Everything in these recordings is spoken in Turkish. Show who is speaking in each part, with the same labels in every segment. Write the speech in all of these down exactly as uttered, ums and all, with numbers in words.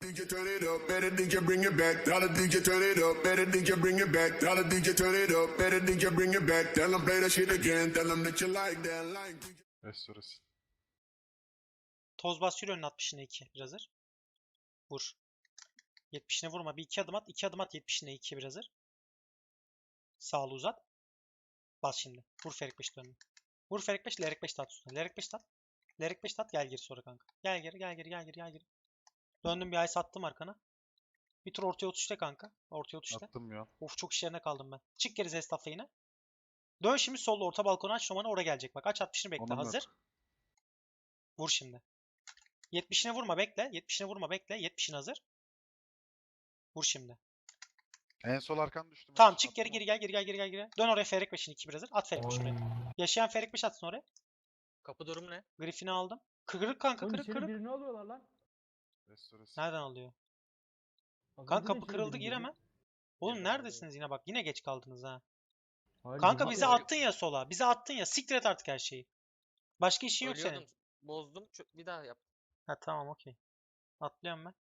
Speaker 1: D J turn it up, better D J bring it back. Tell the D J turn it up, better D J bring it back. Tell the D J turn it up, better D J bring it back. Tell them play that shit again. Tell them that you like that. Like D J.
Speaker 2: Restorası.
Speaker 3: Toz bas yürü önüne altmışına iki. Bir hazır. Vur. yetmişine vurma. Bir iki adım at. iki adım at yetmişine iki. Bir hazır. Sağlı uzat. Bas şimdi. Vur Ferik beş dönme. Vur Ferik beş. Lerik beş tat üstüne. Lerik beş tat. Lerik beş tat. Gel geri sonra kanka. Gel geri gel geri gel geri gel geri. Döndüm bir ay sattım arkana. Bir tur ortaya otuşta kanka. Ortaya otuşta.
Speaker 2: Attım ya.
Speaker 3: Of çok işlerine kaldım ben. Çık geri Zestaf'la yine. Dön şimdi solda orta balkona aç Roman'ı oraya gelecek. Bak aç altmışını bekle.
Speaker 2: Onun yok.
Speaker 3: Hazır. Vur şimdi. yetmişine vurma bekle. yetmişine vurma bekle. yetmişine hazır. Vur şimdi.
Speaker 2: En sol arkan düştü.
Speaker 3: Tamam
Speaker 2: Mesut,
Speaker 3: çık geri
Speaker 2: attım
Speaker 3: geri gel geri gel geri gel geri. Dön oraya Ferik beşin iki bir hazır. At Ferik beş oraya. Yaşayan Ferik beş atsın oraya.
Speaker 4: Kapı durum ne?
Speaker 3: Griffin'i aldım. Kırık kanka
Speaker 5: Oğlum
Speaker 3: kırık
Speaker 5: içeri
Speaker 3: kırık.
Speaker 5: birini alıyorlar lan.
Speaker 2: onu. Restorası.
Speaker 3: Nereden alıyor?
Speaker 5: Az
Speaker 3: Kanka
Speaker 5: önce de
Speaker 3: kapı
Speaker 5: içeri
Speaker 3: kırıldı
Speaker 5: biri
Speaker 3: gir
Speaker 5: girdi.
Speaker 3: hemen. Oğlum
Speaker 4: Girdim,
Speaker 3: neredesiniz yine bak. Yine geç kaldınız ha.
Speaker 5: Hayır,
Speaker 3: Kanka
Speaker 5: girdi.
Speaker 3: bize
Speaker 4: Atıyor.
Speaker 3: attın ya sola. Bize attın ya. Siktir et artık her şeyi. Başka işin yok senin.
Speaker 4: Ölüyordum. Bozdum. çö- Bir daha yap.
Speaker 3: Ha tamam okey. Atlıyorum ben.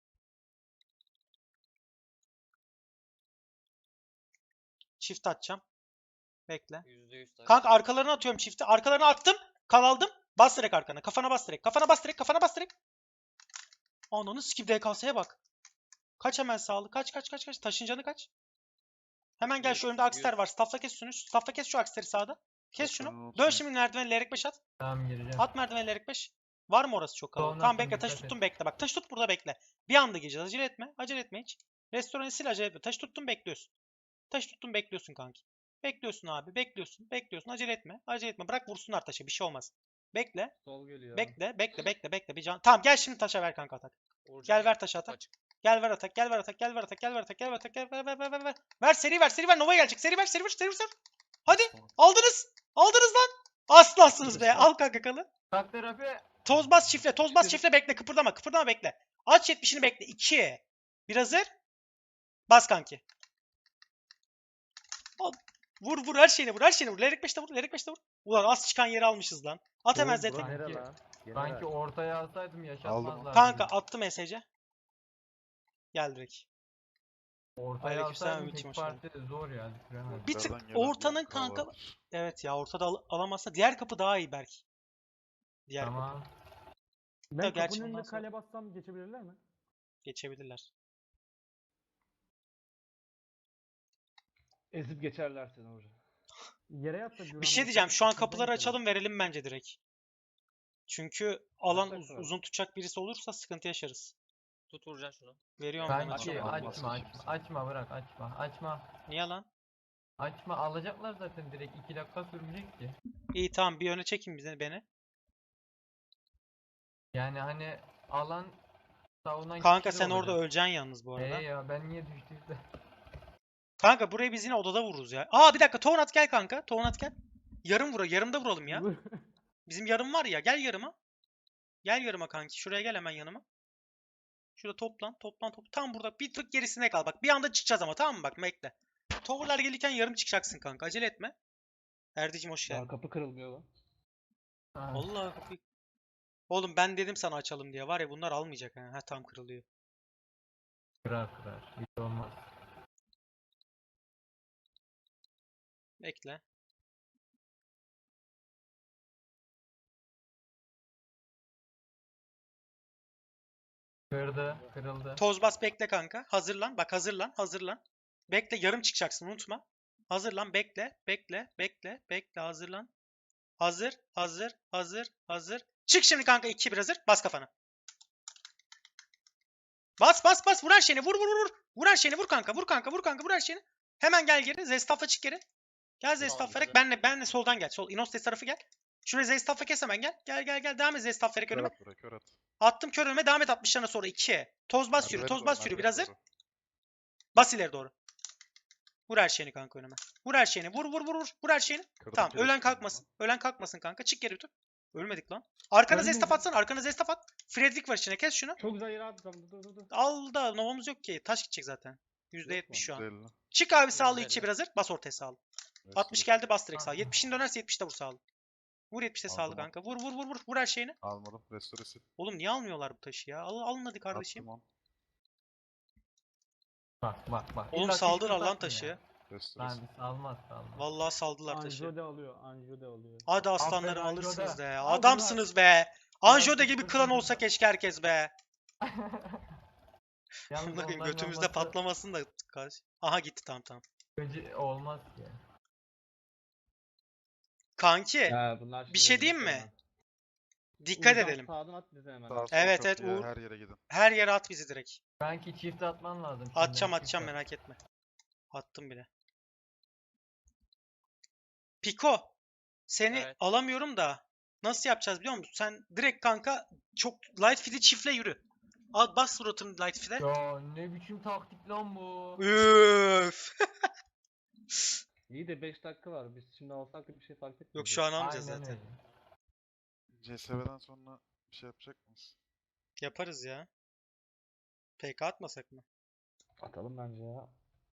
Speaker 3: Çift atacağım. Bekle.
Speaker 4: yüzde yüz taş.
Speaker 3: Kanka arkalarına atıyorum çifti. Arkalarına attım. Kal aldım. Bas direkt arkana. Kafana bas direkt. Kafana bas direkt. Kafana bas direkt. Ananı sikip D K S'ye bak. Kaç hemen sağlı. Kaç kaç kaç kaç. Taşın canı kaç. Hemen gel şu
Speaker 4: Yüz,
Speaker 3: önünde Akster
Speaker 4: yüz.
Speaker 3: var. Staffla kes şunu. Staffla kes şu Akster'i sağda. Kes
Speaker 2: Kafanı
Speaker 3: şunu.
Speaker 2: unutma.
Speaker 3: Dön şimdi merdiven Lerik beş at.
Speaker 5: Tamam gireceğim.
Speaker 3: At merdiven Lerik beş. Var mı orası çok kalabalık?
Speaker 5: Sonra
Speaker 3: Tamam
Speaker 5: atayım,
Speaker 3: bekle. Taş
Speaker 5: dikkat
Speaker 3: tuttum
Speaker 5: et.
Speaker 3: bekle. Bak taş tut burada bekle. Bir anda gireceğiz. Acele etme. Acele etme hiç. Restoranı sil acele etme. Taş tuttum bekliyorsun. Taş tuttum bekliyorsun kanki. Bekliyorsun abi. Bekliyorsun. Bekliyorsun. Acele etme. Acele etme. Bırak vursunlar taşa. Bir şey olmaz. Bekle.
Speaker 5: Sol geliyor.
Speaker 3: Bekle. Bekle. Bekle. Bekle. Bir can. Tamam gel şimdi taşa ver kanka atak.
Speaker 4: Uğurcan
Speaker 3: Gel ver
Speaker 4: yap,
Speaker 3: taşı
Speaker 4: kapı
Speaker 3: atak.
Speaker 4: açık.
Speaker 3: Gel ver atak. Gel ver atak. Gel ver atak. Gel ver atak. Gel ver atak. Gel ver ver ver ver ver. Ver seri ver. Seri ver. Nova'ya gelecek. Seri ver. Seri ver. Seri ver. Seri ver. Hadi. Aldınız. Aldınız lan. Aslansınız be. Al kanka kalı.
Speaker 5: Tak terapi.
Speaker 3: Toz bas çifle. Toz bas çifle bekle. Kıpırdama. Kıpırdama bekle. Aç yetmişini bekle. iki. Bir hazır. Bas kanki. Al. Vur vur her şeyini vur. Her şeyini vur. Lerik beşte vur. Lerik beşte vur. Ulan az çıkan yeri almışız lan. At hemen Z'ye.
Speaker 5: Sanki, sanki ortaya alsaydım yaşatmazlardı.
Speaker 3: Kanka attı mesajı. Gel direkt.
Speaker 5: Ortaya
Speaker 3: Aleykümselam,
Speaker 5: alsaydım
Speaker 3: Ümit'im,
Speaker 5: tek
Speaker 3: hoş geldin.
Speaker 5: parti zor ya. düşüremezdim.
Speaker 3: Bir tık
Speaker 2: Yukarıdan gelen
Speaker 3: ortanın
Speaker 2: bir kral
Speaker 3: kanka.
Speaker 2: vardır.
Speaker 3: Evet ya ortada al- alamazsa diğer kapı daha iyi belki. Diğer kapı.
Speaker 5: Tamam.
Speaker 3: Ya
Speaker 5: Ben
Speaker 3: gerçi
Speaker 5: kapının önünde
Speaker 3: ondan sonra-
Speaker 5: kale bassam geçebilirler mi?
Speaker 3: Geçebilirler.
Speaker 6: Ezip geçerler seni orada.
Speaker 5: Yere yatsa Güran
Speaker 3: Bir şey
Speaker 5: basar,
Speaker 3: diyeceğim. Şu an
Speaker 5: kapıdan
Speaker 3: kapıları
Speaker 5: geçelim.
Speaker 3: açalım verelim bence direkt. Çünkü alan
Speaker 6: Açsak
Speaker 3: uz-
Speaker 6: tabii.
Speaker 3: uzun tutacak birisi olursa sıkıntı yaşarız.
Speaker 4: Tut Uğurcan şunu.
Speaker 3: Veriyorum ben
Speaker 5: Sanki
Speaker 3: açalım.
Speaker 2: açamam.
Speaker 5: açma açma. Açma bırak açma. Açma.
Speaker 3: Niye lan?
Speaker 5: Açma alacaklar zaten direkt iki dakika sürmeyecek ki.
Speaker 3: İyi tamam bir öne çekin bizi beni.
Speaker 5: Yani hani alan savunan
Speaker 3: Kanka
Speaker 5: kişi de
Speaker 3: sen orada
Speaker 5: olacak.
Speaker 3: öleceksin yalnız bu arada.
Speaker 5: Ee ya ben niye düştüyse.
Speaker 3: Kanka burayı biz yine odada vururuz ya. Aa bir dakika Toğnat gel kanka. Toğnat gel. Yarım vura. Yarımda vuralım ya. Bizim yarım var ya. Gel yarıma. Gel yarıma kanki. Şuraya gel hemen yanıma. Şurada toplan. Toplan toplan. Tam burada bir tık gerisine kal. Bak bir anda çıkacağız ama tamam mı? Bak bekle. Tower'lar gelirken yarım çıkacaksın kanka. Acele etme. Erdicim hoş
Speaker 6: Daha
Speaker 3: geldin.
Speaker 6: kapı kırılmıyor lan.
Speaker 5: Ha,
Speaker 3: Allah kapıyı. Oğlum ben dedim sana açalım diye. Var ya bunlar almayacak ha. Ha tam kırılıyor.
Speaker 5: kırar kırar. Hiç olmaz.
Speaker 3: Bekle.
Speaker 5: Kırdı. Kırıldı.
Speaker 3: Toz bas bekle kanka. Hazırlan. Bak hazırlan. Hazırlan. Bekle yarım çıkacaksın unutma. Hazırlan bekle. Bekle. Bekle. Bekle hazırlan. Hazır. Hazır. Hazır. Hazır. Çık şimdi kanka iki bir hazır. Bas kafana. Bas bas bas. Vur her şeyini. Vur vur vur. Vur her şeyini. Vur kanka. Vur kanka. Vur kanka. Vur her şeyini. Hemen gel geri. Zestaf'a çık geri. Gel Zestaf vererek.
Speaker 4: güzel.
Speaker 3: Benle, benle soldan gel. Sol. Inostes tarafı gel. Şuraya Zestaf'a kes hemen gel. Gel gel gel. Devam et Zestaf vererek
Speaker 2: Kör
Speaker 3: önüme.
Speaker 2: at buraya kör at.
Speaker 3: Attım kör önüme. Devam et altmışlarına sonra ikiye. Toz bas yürü.
Speaker 2: Merdivene
Speaker 3: Toz
Speaker 2: doğru,
Speaker 3: bas yürü. Bir
Speaker 2: merdivene
Speaker 3: hazır.
Speaker 2: doğru.
Speaker 3: Bas ileri doğru. Vur her şeyini kanka önüme. Vur her şeyini. Vur vur vur vur. Vur her şeyini.
Speaker 2: Kırdım
Speaker 3: Tamam.
Speaker 2: kireçini
Speaker 3: Ölen
Speaker 2: ben
Speaker 3: kalkmasın.
Speaker 2: bunu.
Speaker 3: Ölen kalkmasın kanka. Çık geri dur. Ölmedik lan. Arkana
Speaker 5: Ölmedik.
Speaker 3: zestaf atsana. Arkana zestaf at. Fredrik var içine. Kes şunu.
Speaker 6: Çok güzel yere attım. Dur dur dur.
Speaker 3: Al da novamız yok ki. Taş gidecek zaten. yüzde yetmiş şu an.
Speaker 2: yüzde elli.
Speaker 3: Çık abi sağlı
Speaker 4: yüzde
Speaker 3: ikiye
Speaker 4: elli.
Speaker 3: bir hazır. Bas ortaya sağlı.
Speaker 2: Restorası.
Speaker 3: altmış geldi bas direkt sağ.
Speaker 5: Tamam.
Speaker 3: yetmişin dönerse yetmişte vur sağlı. Vur yetmişte sağlı
Speaker 2: Aldım,
Speaker 3: kanka. Vur vur vur vur. Vur her şeyini.
Speaker 2: Almadım. Restorası.
Speaker 3: Oğlum niye almıyorlar bu taşı ya? Al, alın hadi kardeşim.
Speaker 2: Attım on.
Speaker 5: Bak bak bak.
Speaker 3: Oğlum
Speaker 5: İlla
Speaker 3: saldılar
Speaker 5: çift
Speaker 3: lan
Speaker 5: atarsın
Speaker 3: taşı.
Speaker 5: ya.
Speaker 2: Restoresi.
Speaker 5: Lan salmaz salmaz.
Speaker 3: Vallahi saldılar taşı.
Speaker 6: Anjo de alıyor. Anjo de alıyor.
Speaker 3: Hadi aslanlarım
Speaker 5: Aferin
Speaker 3: alırsınız
Speaker 5: Anjo'da.
Speaker 3: be.
Speaker 5: Al
Speaker 3: Adamsınız be. Anjode
Speaker 5: Biraz
Speaker 3: gibi
Speaker 5: sıkıntı
Speaker 3: klan
Speaker 5: değil
Speaker 3: olsa
Speaker 5: mi?
Speaker 3: keşke herkes be.
Speaker 5: Yalnız
Speaker 3: Bunların
Speaker 5: onların
Speaker 3: götümüzde
Speaker 5: olması
Speaker 3: patlamasın da. karşı- Aha gitti tamam tamam.
Speaker 5: önce olmaz ki.
Speaker 3: Kanki
Speaker 6: Ya bunlar şimdi
Speaker 3: şey
Speaker 6: ölecek
Speaker 3: diyeyim mi?
Speaker 6: hemen.
Speaker 3: dikkat
Speaker 6: Uğurcan
Speaker 3: edelim.
Speaker 6: Sağdan at bize hemen.
Speaker 2: Sağ sol
Speaker 3: Evet,
Speaker 2: çok
Speaker 3: evet,
Speaker 2: iyi ya,
Speaker 3: Uğur.
Speaker 2: her yere gidin.
Speaker 3: Her yere at bizi direkt.
Speaker 5: Kanki çift atman lazım. şimdi,
Speaker 3: Atacağım
Speaker 5: çift
Speaker 3: atacağım
Speaker 5: at.
Speaker 3: merak etme. Attım bile. Piko. Seni
Speaker 4: Evet.
Speaker 3: alamıyorum da. Nasıl yapacağız biliyor musun? Sen direkt kanka çok light feed'i çiftle yürü. Al bas suratını light feed'e.
Speaker 5: Ya ne biçim taktik lan bu?
Speaker 3: Üf.
Speaker 6: İyi de beş dakika var. Biz şimdi alsak da bir şey fark etmiyor.
Speaker 3: Yok şu an almayacağız
Speaker 5: Aynen
Speaker 3: zaten.
Speaker 5: öyle.
Speaker 2: C S V'den sonra bir şey yapacak mıyız?
Speaker 3: Yaparız ya. P K atmasak mı?
Speaker 6: Atalım bence ya.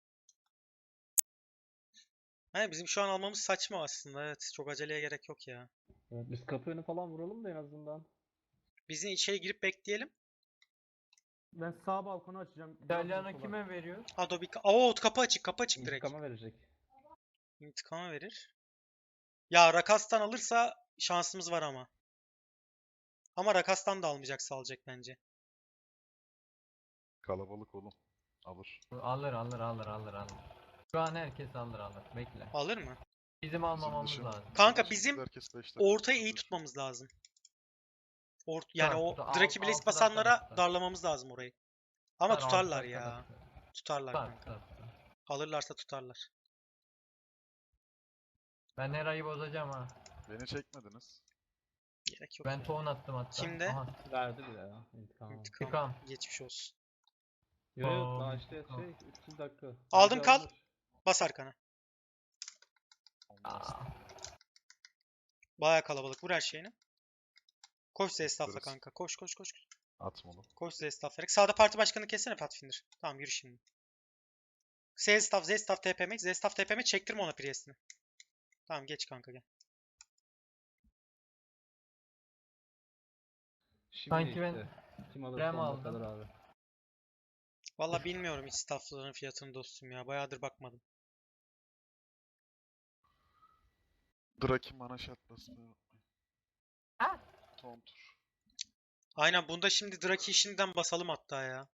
Speaker 3: He, bizim şu an almamız saçma aslında. Evet, çok aceleye gerek yok ya.
Speaker 6: Evet, biz kapı önü falan vuralım da en azından.
Speaker 3: Bizim içeri girip bekleyelim.
Speaker 6: Ben sağ balkonu açacağım.
Speaker 5: İtalyan'a kime veriyor?
Speaker 3: Adobe... Oo, kapı açık, kapı açık direkt.
Speaker 6: İntikama verecek.
Speaker 3: İntikama verir. Ya Rakas'tan alırsa şansımız var ama. Ama Rakas'tan da almayacaksa alacak bence.
Speaker 2: Kalabalık oğlum. Alır.
Speaker 5: Alır alır alır alır alır. Şu an herkes alır alır. Bekle.
Speaker 3: Alır mı?
Speaker 5: Bizim almamamız
Speaker 2: dışımız-
Speaker 5: lazım.
Speaker 3: Kanka
Speaker 2: Bizim
Speaker 3: bizim
Speaker 2: herkes beş dakika
Speaker 3: Ortayı iyi
Speaker 2: tutar.
Speaker 3: tutmamız lazım. Ort yani
Speaker 5: Tutar,
Speaker 3: o
Speaker 5: tutar.
Speaker 3: Draki
Speaker 5: Al-
Speaker 3: Blaze
Speaker 5: altıdan
Speaker 3: basanlara
Speaker 5: tutar.
Speaker 3: darlamamız lazım orayı. Ama
Speaker 5: Tutar,
Speaker 3: tutarlar
Speaker 5: altı
Speaker 3: ya.
Speaker 5: dakikada tutar.
Speaker 3: Tutarlar
Speaker 5: Tutar,
Speaker 3: kanka.
Speaker 5: tutar, tutar.
Speaker 3: Alırlarsa tutarlar.
Speaker 5: Ben Nera'yı bozacağım ha.
Speaker 2: Beni çekmediniz.
Speaker 3: Gerek yok.
Speaker 5: Ben
Speaker 3: ya.
Speaker 5: ton attım hatta.
Speaker 3: Kimde?
Speaker 5: Aha.
Speaker 6: Verdi bile ya. İntikam.
Speaker 3: İntikam.
Speaker 5: İntikam.
Speaker 3: Geçmiş olsun.
Speaker 6: Yok yok daha
Speaker 5: Aa,
Speaker 6: işte
Speaker 5: intikam.
Speaker 6: şey üç yüz dakika.
Speaker 3: Aldım,
Speaker 6: Bence
Speaker 3: kal.
Speaker 6: alınır.
Speaker 3: Bas arkana.
Speaker 2: Olmaz.
Speaker 5: Aa,
Speaker 3: Baya kalabalık. Vur her şeyini. Koş Zestaf'la
Speaker 2: Yaparız.
Speaker 3: kanka. Koş koş koş.
Speaker 2: Atmalı.
Speaker 3: Koş Zestaf'la. Sağda parti başkanı kessene Pathfinder. Tamam yürü şimdi. Zestaf, Zestaf T P M. Zestaf T P M çektirme ona Priest'ini. Tamam geç kanka gel.
Speaker 6: Şimdi
Speaker 5: Sanki ben
Speaker 6: işte. Kim alır
Speaker 5: Rem
Speaker 6: sonuna
Speaker 5: aldım.
Speaker 6: kadar abi.
Speaker 3: Valla bilmiyorum hiç staffların fiyatını dostum ya. Bayağıdır bakmadım.
Speaker 2: Draki mana shot basmayı unutmayın.
Speaker 5: Ah!
Speaker 2: Tontur.
Speaker 3: Aynen bunda şimdi Draki şimdiden basalım hatta ya.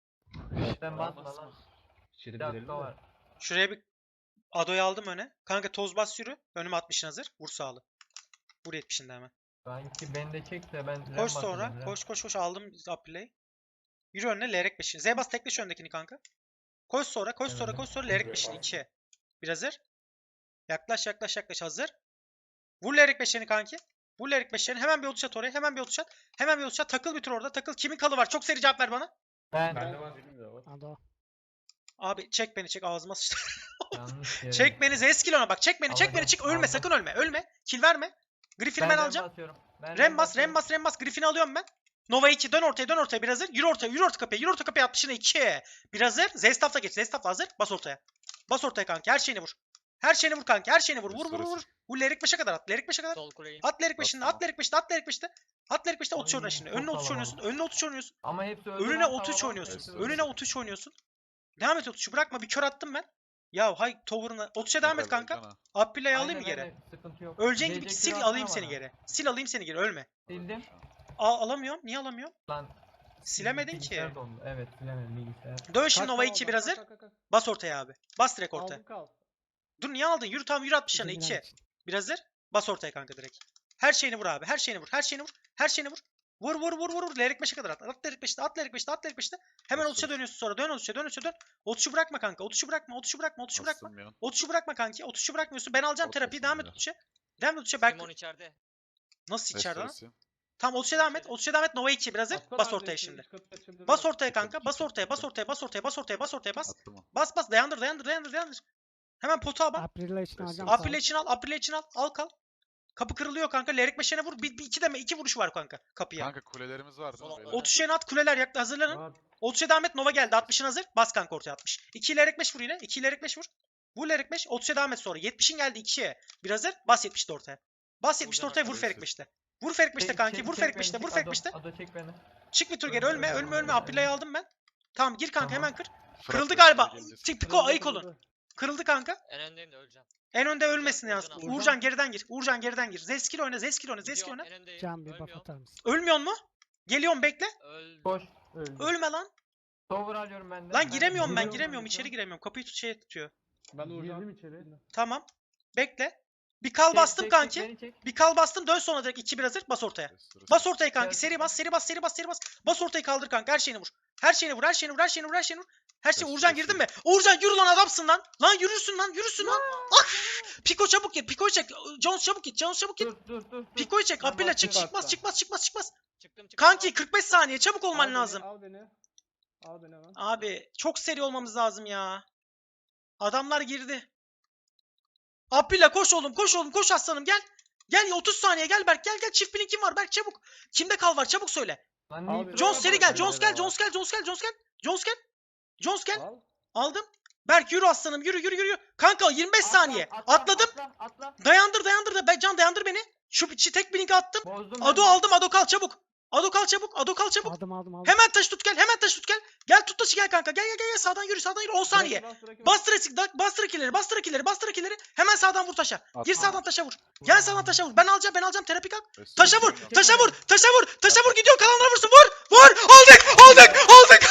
Speaker 5: sen basma
Speaker 2: Basma.
Speaker 5: lan.
Speaker 6: İçeri
Speaker 5: Bir
Speaker 6: girelim
Speaker 5: dakika
Speaker 6: de.
Speaker 5: var.
Speaker 3: Şuraya bir Ado'yu aldım öne. Kanka toz bas yürü. Önüme altmışın hazır. Vur sağlı. Vur yetmişinde hemen.
Speaker 5: Sanki beni de çek de ben Rem
Speaker 3: Koş
Speaker 5: basacağım,
Speaker 3: sonra.
Speaker 5: Rem.
Speaker 3: Koş koş koş aldım April'i. Yürü önüne Lerek beşini. Z bas tekleş öndekini kanka. Koş sonra koş sonra
Speaker 5: Evet.
Speaker 3: koş sonra Lerek beşini ikiye. Bir hazır. Yaklaş yaklaş yaklaş hazır. Vur Lerek beşini kanki. Vur Lerek beşini. Hemen bir otuz at oraya. Hemen bir otuz at. Hemen bir otuz at. Takıl bir tur orada. Takıl. Kimin kalı var? Çok seri cevap ver bana.
Speaker 5: Ben
Speaker 6: Bende var benim de var.
Speaker 3: Abi çek beni çek ağzıma sıçtı.
Speaker 5: yanlış yere.
Speaker 3: Çek beni Zeskil ona bak. Çek beni çek beni
Speaker 5: Alacağım,
Speaker 3: çık. Ölme
Speaker 5: aldım.
Speaker 3: sakın ölme. Ölme. Kill verme. Griffin'i ben,
Speaker 5: Ben Rem
Speaker 3: alacağım.
Speaker 5: basıyorum. Ben
Speaker 3: Rem bas,
Speaker 5: basıyorum.
Speaker 3: Rem bas, Rem bas. Griffin'i alıyorum ben. Nova iki dön ortaya, dön ortaya bir hazır. Yürü ortaya, yürü orta kapıya, yürü orta kapıya altmışına iki. Bir hazır. Zestaf'la geç. Zestaf'la hazır. Bas ortaya. Bas ortaya kanki. Her şeyini vur. Her şeyini vur kanki. Her şeyini vur. Vur vur vur. Vur Lerik beşe kadar at. Lerik beşe kadar.
Speaker 4: Sol kuleyi.
Speaker 3: At Lerik beşinde,
Speaker 2: Bastım.
Speaker 3: at Lerik beşinde, at Lerik beşinde. At Lerik beşinde otuz
Speaker 5: Ay,
Speaker 3: oyna şimdi.
Speaker 5: çok
Speaker 3: Önüne otuz
Speaker 5: kalabalık.
Speaker 3: oynuyorsun. Önüne otuz oynuyorsun.
Speaker 5: Ama hepsi öldü
Speaker 3: Önüne
Speaker 5: lan,
Speaker 3: otuz üç
Speaker 5: tamam,
Speaker 3: oynuyorsun.
Speaker 2: hepsi
Speaker 3: Önüne
Speaker 2: öldü.
Speaker 3: otuz üç oynuyorsun. Devam et otuz üçü bırakma. Bir kör attım ben. Ya hay tower'ına. otuz üçe devam et
Speaker 2: Helal
Speaker 3: kanka.
Speaker 2: Cana.
Speaker 3: Abdillah'ı alayım
Speaker 5: Aynen,
Speaker 3: mı geri?
Speaker 5: aynen, sıkıntı yok.
Speaker 3: Öleceğin gibi
Speaker 5: Gelecek
Speaker 3: sil
Speaker 5: kilo
Speaker 3: alayım
Speaker 5: atsana
Speaker 3: seni
Speaker 5: bana.
Speaker 3: geri. Sil alayım seni geri. Ölme.
Speaker 5: Sildim.
Speaker 3: Al, alamıyorum. Niye alamıyorum?
Speaker 5: Lan.
Speaker 3: Silemedin ki.
Speaker 5: bilgisayar dondu. Evet silemedim bilgisayar.
Speaker 3: Dön şimdi
Speaker 6: Kaç
Speaker 3: Nova
Speaker 6: kal
Speaker 3: iki
Speaker 6: oradan,
Speaker 3: bir hazır.
Speaker 6: kalk, kalk, kalk.
Speaker 3: Bas ortaya abi. Bas direkt ortaya.
Speaker 6: Aldım kal.
Speaker 3: Dur niye aldın? Yürü tamam yürü altmış yana iki. Bir hazır. Bas ortaya kanka direkt. Her şeyini vur abi. Her şeyini vur. Her şeyini vur. Her şeyini vur. Vur vur vur vur vur. Lerik beşe kadar at. At Lerik beşte. At Lerik beşte. At Lerik beşte. Hemen
Speaker 2: Bas,
Speaker 3: otuz üçe
Speaker 2: bas.
Speaker 3: dönüyorsun sonra. Dön otuz üçe dön otuz üçe dön. otuz üçü bırakma kanka. otuz üçü bırakma. otuz üçü bırakma. otuz üçü bırakma.
Speaker 2: Bastım ya.
Speaker 3: otuz üçü bırakma kanki. otuz üçü bırakmıyorsun. Ben alacağım
Speaker 2: Bas
Speaker 3: terapiyi.
Speaker 2: basın
Speaker 3: Devam et
Speaker 2: ya.
Speaker 3: otuz üçe. Devam et otuz üçe. Belki
Speaker 4: Simon içeride.
Speaker 3: nasıl içeride lan?
Speaker 2: Restoresi.
Speaker 3: Tamam otuz üçe devam et. otuz üçe devam et. Nova iki bir hazır.
Speaker 6: Atsana
Speaker 3: Bas
Speaker 6: abi
Speaker 3: ortaya
Speaker 6: işte,
Speaker 3: şimdi.
Speaker 6: üç kapıyı açabilirim.
Speaker 3: Bas ortaya
Speaker 2: Çıkın,
Speaker 3: kanka. Bas
Speaker 2: çıkın,
Speaker 3: ortaya. Bas
Speaker 2: çıkın.
Speaker 3: ortaya. Bas ortaya. Bas ortaya. Bas ortaya. Bas.
Speaker 2: Attım o.
Speaker 3: Bas bas. Dayandır dayandır dayandır dayandır. Hemen pota bak.
Speaker 7: April'e için alacağım.
Speaker 2: April'e
Speaker 3: Aprile için al, Aprile için al. Al kal. Kapı kırılıyor kanka. Lerik beşene vur. Bir, bir iki deme. iki vuruşu var kanka kapıya.
Speaker 2: Kanka kulelerimiz var değil mi?
Speaker 4: Sol
Speaker 2: beyler?
Speaker 4: atladı.
Speaker 3: otuz üçe at. Kuleler yakla hazırlanın.
Speaker 6: Var.
Speaker 3: otuz üçe devam et. Nova geldi. altmışın hazır. Bas kanka ortaya altmış. iki Lerik beş vur yine. iki Lerik beş vur. Vur Lerik beş. otuz üçe devam et sonra. yetmişin geldi ikiye. Bir hazır. Bas yetmişte ortaya. Bas yetmişte
Speaker 4: Vuracağım
Speaker 3: ortaya vur
Speaker 2: arkadaşlar.
Speaker 3: Ferik beşte. Vur Ferik beşte
Speaker 5: Çek-
Speaker 3: kanki.
Speaker 5: çek-
Speaker 3: Vur
Speaker 5: çek
Speaker 3: Ferik
Speaker 5: beni,
Speaker 3: beşte.
Speaker 5: çek
Speaker 3: Vur Ferik
Speaker 5: Ado,
Speaker 3: beşte.
Speaker 5: Ado çek beni.
Speaker 3: Çık bir tur geri.
Speaker 5: Ölme,
Speaker 3: Ölme.
Speaker 5: ölme,
Speaker 3: Ölme ölme.
Speaker 5: ölme,
Speaker 3: Aprile'yi
Speaker 5: ölme.
Speaker 3: aldım ben. Tamam gir kanka
Speaker 5: Tamam.
Speaker 3: hemen kır. Kırıldı
Speaker 2: Fırat
Speaker 3: galiba.
Speaker 2: Bey geleceğiz.
Speaker 3: Çık Piko
Speaker 6: Kırıldı,
Speaker 3: ayık olun.
Speaker 6: kırıldı.
Speaker 3: Kırıldı kanka.
Speaker 4: En öndeyim de öleceğim.
Speaker 3: En önde
Speaker 4: Uğurcan,
Speaker 3: ölmesin yalnız.
Speaker 4: Uğurcan
Speaker 6: al.
Speaker 3: Uğurcan geriden gir. Uğurcan geriden gir. Zeskil oyna, Zeskil oyna, Zeskil
Speaker 4: Gidiyorum,
Speaker 3: oyna.
Speaker 4: en öndeyim.
Speaker 7: Can bir buff
Speaker 4: Ölmüyorum.
Speaker 7: atar mısın?
Speaker 3: Ölmüyor mu? Geliyorum bekle.
Speaker 4: Öldüm.
Speaker 5: Koş. Öldü.
Speaker 3: Ölme lan.
Speaker 5: Tower alıyorum ben de.
Speaker 3: Lan
Speaker 5: Ben
Speaker 3: giremiyorum ben
Speaker 5: giriyorum
Speaker 3: giremiyorum.
Speaker 5: ben
Speaker 3: içeri
Speaker 5: de.
Speaker 3: giremiyorum. Kapıyı tut şey tutuyor.
Speaker 6: Ben Uğurcan.
Speaker 5: Girdim içeri.
Speaker 3: Tamam. Bekle. Bir kal
Speaker 5: Çek,
Speaker 3: bastım
Speaker 5: çek,
Speaker 3: kanki.
Speaker 5: çek, beni çek.
Speaker 3: Bir kal bastım. Dön sonra direkt iki bir hazır. Bas ortaya.
Speaker 2: Restore.
Speaker 3: Bas ortaya kanki.
Speaker 5: Gelsin.
Speaker 3: Seri bas, seri bas, seri bas, seri bas. Bas ortayı kaldır kanka. Her şeyini vur. Her şeyini vur, her şeyini vur, her şeyini vur, her şeyini vur. Her şey
Speaker 2: Restore,
Speaker 3: Uğurcan girdin mi?
Speaker 2: restore.
Speaker 3: Uğurcan yürü lan adamsın lan. Lan yürürsün lan, yürürsün lan. Ah! Piko çabuk git, Piko'yu çek. Jones çabuk git, Jones çabuk git.
Speaker 5: Dur dur dur. dur.
Speaker 3: Piko'yu çek.
Speaker 5: Ben
Speaker 3: Apilla çık,
Speaker 5: basıyorum.
Speaker 3: çıkmaz, çıkmaz, çıkmaz, çıkmaz.
Speaker 4: Çıktım çıktım.
Speaker 3: Kanki kırk beş saniye çabuk
Speaker 6: Al
Speaker 3: olman
Speaker 6: beni,
Speaker 3: lazım.
Speaker 6: Al beni. Al beni hemen.
Speaker 3: Abi çok seri olmamız lazım ya. Adamlar girdi. Apilla koş oğlum, koş oğlum, koş aslanım gel. Gel otuz saniye gel Berk, gel gel çift bilin kim var Berk çabuk. Kimde kal var çabuk söyle.
Speaker 5: Lan
Speaker 6: Al
Speaker 5: Nitro
Speaker 6: beni.
Speaker 3: Jones
Speaker 5: var,
Speaker 3: seri gel,
Speaker 5: bak,
Speaker 3: Jones
Speaker 5: böyle
Speaker 3: gel,
Speaker 5: var.
Speaker 3: Jones gel, Jones gel, Jones gel. Jones gel. Jones gel.
Speaker 6: Al.
Speaker 3: Aldım. Berk yürü aslanım yürü yürü yürü. Kanka yirmi beş
Speaker 5: Atla,
Speaker 3: saniye.
Speaker 5: atla,
Speaker 3: Atladım.
Speaker 5: Atla atla.
Speaker 3: Dayandır dayandır da ben Can dayandır beni. Şu içi tek blink attım.
Speaker 5: Bozdum
Speaker 3: Ado
Speaker 5: ben de.
Speaker 3: aldım, Ado kal çabuk. Ado kal çabuk, Ado kal çabuk.
Speaker 7: Aldım aldım aldım.
Speaker 3: Hemen taş tut gel, hemen taş tut gel. Gel tut taşı gel kanka. Gel gel gel gel sağdan yürü, sağdan yürü on saniye.
Speaker 6: Bırak, bırak, bırak.
Speaker 3: Bastır eksik, da- bastır ikileri, bastır ikileri, bastır ikileri. Hemen sağdan vur taşa. Gir
Speaker 2: Atma.
Speaker 3: sağdan taşa vur. Gel sağdan taşa vur. Ben alacağım, ben alacağım. Terapi kalk.
Speaker 2: Restore
Speaker 3: Taşa vur,
Speaker 2: yapıyorum.
Speaker 3: taşa vur, taşa vur, taşa vur. Gidiyor kalanlara vursun. Vur, vur. Aldık, aldık, aldık.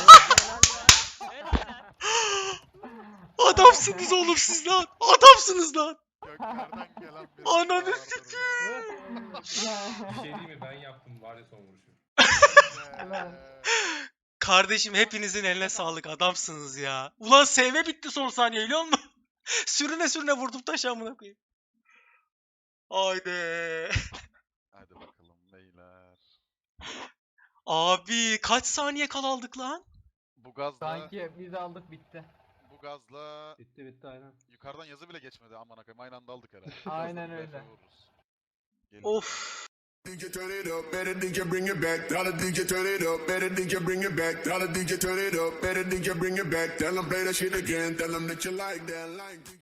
Speaker 3: Adamsınız oğlum siz lan. Adamsınız lan.
Speaker 2: Göklerden gelen bir
Speaker 3: Ananı
Speaker 2: bağırdır
Speaker 3: sikeyim.
Speaker 5: Ya.
Speaker 8: Bir şey değil mi? Ben yaptım var ya son vuruşu.
Speaker 2: be.
Speaker 5: Ulan.
Speaker 3: Kardeşim hepinizin eline sağlık. Adamsınız ya. Ulan S V bitti son saniye biliyor musun? Sürüne sürüne vurdum taşı amına koyayım. Haydi.
Speaker 2: Hadi bakalım beyler.
Speaker 3: Abi kaç saniye kal aldık lan?
Speaker 2: Bu gazla,
Speaker 5: Sanki biz aldık bitti.
Speaker 2: bu gazla
Speaker 6: Bitti bitti aynen.
Speaker 2: yukarıdan yazı bile geçmedi aman akıyım. Aynı anda aldık herhalde.
Speaker 5: Aynen
Speaker 2: Birazdan
Speaker 5: öyle.
Speaker 2: B F vururuz. Gelin.
Speaker 3: Of.
Speaker 1: D J turn it up, better D J bring it back. Tell the D J turn it up, better D J bring it back. Tell the D J turn it up, better D J bring it back. Tell them play that shit again, tell them that you like that, like.